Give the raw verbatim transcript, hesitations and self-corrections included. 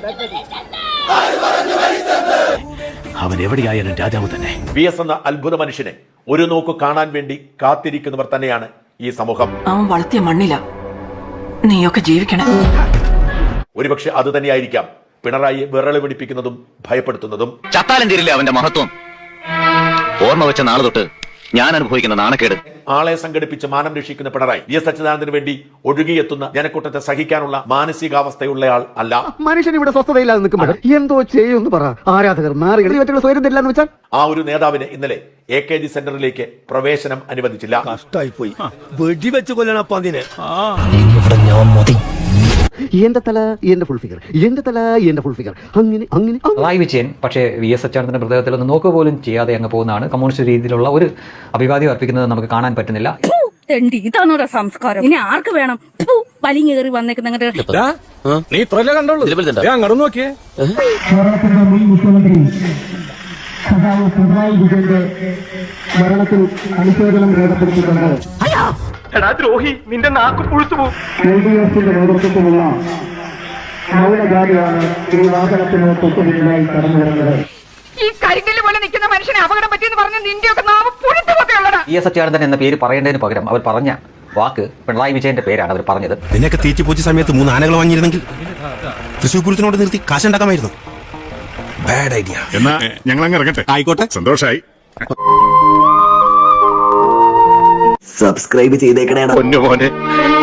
അവൻ എവിടെയായാലും രാജാവ് തന്നെ. വി എസ് എന്ന അത്ഭുത മനുഷ്യനെ ഒരു നോക്ക് കാണാൻ വേണ്ടി കാത്തിരിക്കുന്നവർ തന്നെയാണ് ഈ സമൂഹം. അവൻ വളർത്തിയ മണ്ണില നീയൊക്കെ ജീവിക്കണം. ഒരുപക്ഷെ അത് തന്നെയായിരിക്കാം പിണറായിയെ വിറള് പിടിപ്പിക്കുന്നതും ഭയപ്പെടുത്തുന്നതും. ചത്താലും തീരില്ല അവന്റെ മഹത്വം. ഓർമ്മ വെച്ച നാളെ തൊട്ട് ഞാൻ അനുഭവിക്കുന്ന നാണക്കേട്. ആളെ സംഘടിപ്പിച്ച് മാനം രക്ഷിക്കുന്ന പിണറായി വി എസ് അച്യുതാനന്ദന് വേണ്ടി ഒഴുകിയെത്തുന്ന ജനക്കൂട്ടത്തെ സഹിക്കാനുള്ള മാനസികാവസ്ഥയുള്ളയാൾ അല്ല. മനുഷ്യൻ ഇവിടെ സ്വസ്ഥതയില്ലാതെ നിൽക്കുമ്പോൾ എന്തോ ചെയ്യുമെന്ന് പറ. ആരാധകർ നാറികൾ സ്വയം തരില്ലെന്ന് വെച്ചാൽ ആ ഒരു നേതാവിന് ഇന്നലെ എ കെ ജി സെന്ററിലേക്ക് പ്രവേശനം അനുവദിച്ചില്ല. കഷ്ടായിപ്പോയി. വെടിവെച്ച് കൊല്ലണപ്പ അതിനെ. എന്റെ തല എന്റെ ഫുൾ ഫിഗർ, എന്റെ തല എന്റെ ഫുൾ ഫിഗർ, അങ്ങനെ അങ്ങനെ പിണറായി വിജയൻ പക്ഷേ വി എസ് അച്യുതാനന്ദന്റെ മൃതദേഹത്തിൽ ഒന്ന് നോക്കുക പോലും ചെയ്യാതെ അങ്ങ് പോകുന്നതാണ്. കമ്മ്യൂണിസ്റ്റ് രീതിയിലുള്ള ഒരു അഭിവാദ്യം അർപ്പിക്കുന്നത് നമുക്ക് കാണാൻ പറ്റുന്നില്ല. ഇതാണോ സംസ്കാരം? ഇനി ആർക്ക് വേണം വലിഞ്ഞു കയറി വന്നേക്കുന്ന നീ ഇത്രല്ലേ കണ്ടോളൂ. അങ്ങോട്ട് നോക്കിയേ. കേരളത്തിന്റെ മുൻ മുഖ്യമന്ത്രി സഖാവ് പിണറായി വിജയന്റെ മരണത്തിൽ അനുശോചനം രേഖപ്പെടുത്തിക്കൊണ്ട് നിന്റെ നാക്ക് പുഴുത്തു പോകും. എൽ ഡി എഫിന്റെ നേതൃത്വത്തിലുള്ള മൗനജാതിയാണ് ഈ വാഹനത്തിന് തൊട്ടുപിന്നിലായി കടന്നു വരുന്നത്. ഈ കരിങ്കല്ല് പോലെ നിൽക്കുന്ന മനുഷ്യനെ അപകടം പറ്റിയെന്ന് പറഞ്ഞ നിന്റെയൊക്കെ നാമം പുഴുത്തുപോക്കെയുള്ളടാ. വി എസ് അച്യുതാനന്ദൻ എന്ന പേര് പറയേണ്ടതിന് പകരം അവർ പറഞ്ഞ വാക്ക് പിണറായി വിജയന്റെ പേരാണ് അവർ പറഞ്ഞത്. നിനക്ക് തീറ്റി പൂച്ച സമയത്ത് മൂന്ന് ആനകൾ വാങ്ങിയിരുന്നെങ്കിൽ തൃശ്ശൂർ പൂരത്തിനോട് നിർത്തി കാശുണ്ടാക്കാമായിരുന്നു. Bad idea. എന്നാ ഞങ്ങൾ അങ്ങ് ഇറങ്ങട്ടെ. ആയിക്കോട്ടെ, സന്തോഷായി. സബ്സ്ക്രൈബ് ചെയ്തേക്കണേ പൊന്നു മോനെ.